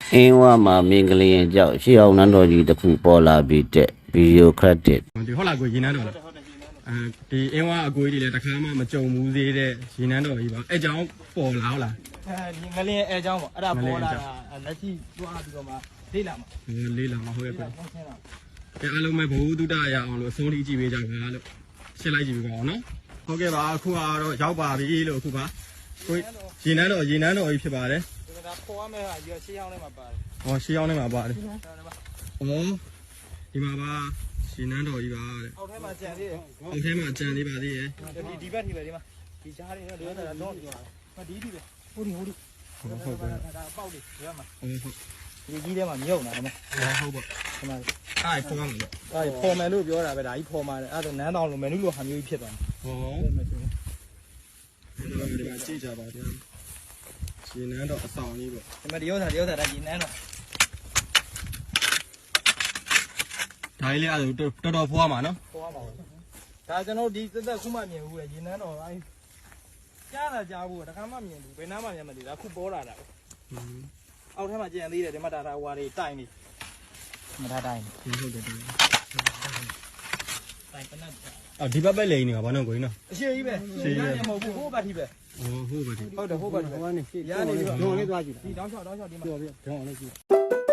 အင်းဝမှာမင်္ဂလင်ကြောက်ရှေ့အောင်နန်းတော်ကြီးတစ်ခုပေါ်လာပြီးတဲ့ဗီဒီယိုခရက်တစ်ဒီဟုတ်လားကိုရေနန်းတော်လားဒီအင်းဝအကိုကြီးတွေလည်းတစ်ခါမှမကြုံဘူးသေးတဲ့ရေနန်းတော်ကြီးပါအဲကြောင့်ပေါ်လာဟုတ်လားဒီငလင်းအဲအကြောင်းပေါ့အဲ့ဒါပေါ်လာတာလက်ရှိတွားပြီးတော့မှလေးလာမှာလေးလာမှာဟုတ်ရဲ့ကွအဲအားလုံးပဲဘဝတုဒ္ဒရအောင်လို့အဆုံးထိကြည့်ပေးကြပါလို့ရှင်းလိုက်ကြည့်ပေးပါအောင်နော်ဟုတ်ကဲ့ပါအခုကတော့ရောက်ပါပြီလို့အခုပါကိုရေနန်းတော်ကြီးဖြစ်ပါတယ်ဒါပေါ်ရမယ့်ဟာရွှေရှေးအောင်ထဲမှာပါတယ်ဟောရှေးအောင်ထဲမှာပါတယ်ဩဒီမှာပါရေနန်းတော်ကြီးပါတဲ့အောက်ထဲမှာကြံသေးတယ်အောက်ထဲမှာကြံသေးပါသေးရဲ့ဒီဘက်ထိပဲဒီမှာဒီကြားလေးတော့တော့တော့ပြောတာဒီဒီပဲဟိုဒီဟုတ်ကဲ့ဒါပေါက်လေးဒီမှာဟုတ်ဒီကြီးထဲမှာမြုပ်နေတာနော်ဟုတ်ပါဒီမှာအားဖော်မှာလို့အဲ့ဖော်မယ်လို့ပြောတာပဲဒါကြီးဖော်မှာအဲ့ဒါနန်းတော်လိုမယ်နုလိုဟာမျိုးကြီးဖြစ်သွားတယ်ဟောဒီမှာကြည့်ကြပါဗျာရှင်နန်းတော့အဆောင်လေးပေါ့ဒီမှာဒီဥစ္စာဒါကြီးနန်းတော်ဒါလေးလည်းအဲ့ဒါတော်ဖွားမှာနော်ဖော်ရမှာဒါကျွန်တော်ဒီသက်ခုမှမြင်ဘူးလေရေနန်းတော်အဲ့ကြားတာကြားဘူးတခါမှမြင်ဘူးဘယ်နားမှမြင်မသိဒါခုပေါ်လာတာအောက်ထဲမှာကြံသေးတယ်ဒီမှာဒါဟွာတွေတိုင်နေမထားတိုင်ဟုတ်တယ်တိုင်ပနတ်အော်ဒီဘက်ပဲလိန်နေတာဘာလို့ကိုင်းနော်အရှိကြီးပဲရှေ့ရမဟုတ်ဘူးဟိုဘက်ထိပဲဟုတ်ပါပြီဟုတ်တယ်ဟိုဘက်ထိပဲဟိုကနေရှေ့ရားနေပြီးဒုံလေးသွားကြည့်ဒီတောင်းချောင်းဒီမှာပြောပြဒုံလေးကြည့်